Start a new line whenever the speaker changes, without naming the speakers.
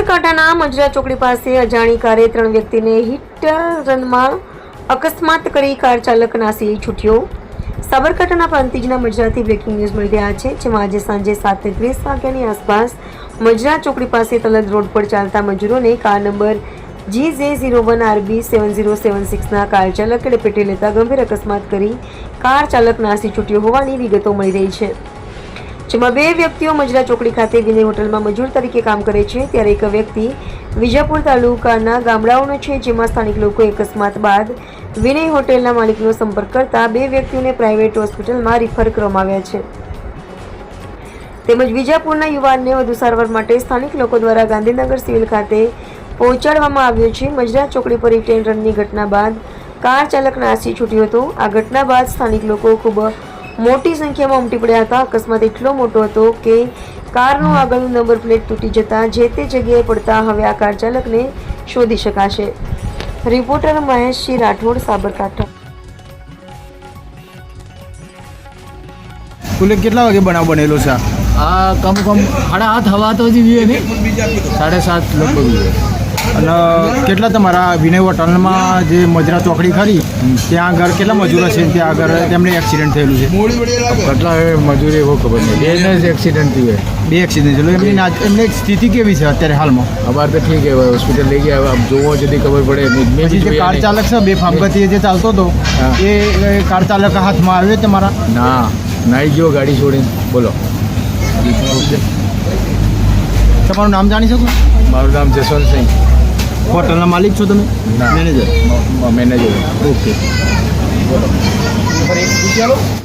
સાબરકાંઠાના મજરા ચોકડી પાસે અજાણી કારે 3 વ્યક્તિને હિટ રનમાં અકસ્માત કરી કાર ચાલક નાસી છૂટ્યો. સાબરકાંઠાના પ્રાંતિજના મજરાથી બ્રેકિંગ ન્યૂઝ મળી રહ્યા છે, જેમાં આજે સાંજે 7:30 વાગ્યાની આસપાસ મજરા ચોકડી પાસે તલદ રોડ પર ચાલતા મજૂરોને કાર નંબર GJ01RB7076ના કાર ચાલકે લપેટી લેતા ગંભીર અકસ્માત કરી કાર ચાલક નાસી છૂટ્યો હોવાની વિગતો મળી રહી છે. જેમાં 2 વ્યક્તિઓ મજરા ચોકડી ખાતે વિનય હોટલમાં મજૂર તરીકે કામ કરે છે, ત્યારે એક વ્યક્તિ વિજાપુર તાલુકાના ગામડાઓનો છે, જેમાં સ્થાનિક લોકોએ અકસ્માત બાદ વિનય હોટેલના માલિકનો સંપર્ક કરતા 2 વ્યક્તિઓને પ્રાઇવેટ હોસ્પિટલમાં રિફર કરવામાં આવ્યા છે. તેમજ વિજાપુરના યુવાનને વધુ સારવાર માટે સ્થાનિક લોકો દ્વારા ગાંધીનગર સિવિલ ખાતે પહોંચાડવામાં આવ્યો છે. મજરા ચોકડી પર હિટ એન્ડ રનની ઘટના બાદ કાર ચાલક નાસી છૂટ્યો હતો. આ ઘટના બાદ સ્થાનિક લોકો ખૂબ મોટી સંખ્યામાં ઉમટી પડ્યા હતા. અકસ્માત એટલો મોટો હતો કે કારનો આગળનો નંબર પ્લેટ તૂટી જતા જે તે જગ્યાએ પડતા હવે આ કાર ચાલકને શોધી શકાશે. રિપોર્ટર મહેશજી રાઠોડ, સાબરકાંઠા.
કુલે કેટલા વાગે બનાવ બનેલો છે?
આ કમ 8:30 હવા તો જ વીએ ને 7:30 લગભગ.
અને કેટલા તમારા વિનય હોટલમાં જે મજરા ચોકડી ખરી ત્યાં આગળ કેટલા મજૂરો છે? ત્યાં આગળ તેમને એક્સિડન્ટ થયેલું છે?
કેટલા મજૂરી એવો ખબર નહીં. બેને જ એક્સિડન્ટ થયું.
2 એક્સિડન્ટ થયેલું. એમની સ્થિતિ કેવી છે અત્યારે હાલમાં?
અમારે તો ઠીક છે, હોસ્પિટલ લઈ ગયા. આમ જોવો જતી ખબર પડે.
પછી જે કાર ચાલક છે બેફામ ગતિએ જે ચાલતો હતો એ કાર ચાલક હાથમાં આવ્યો તમારા?
ના, નાઈ ગયો ગાડી છોડીને. બોલો.
તમારું નામ જાણી શકું?
મારું નામ જસવંતસિંહ.
હોટલના માલિક છો તમે? મેનેજર.
મેનેજર.
ઓકે.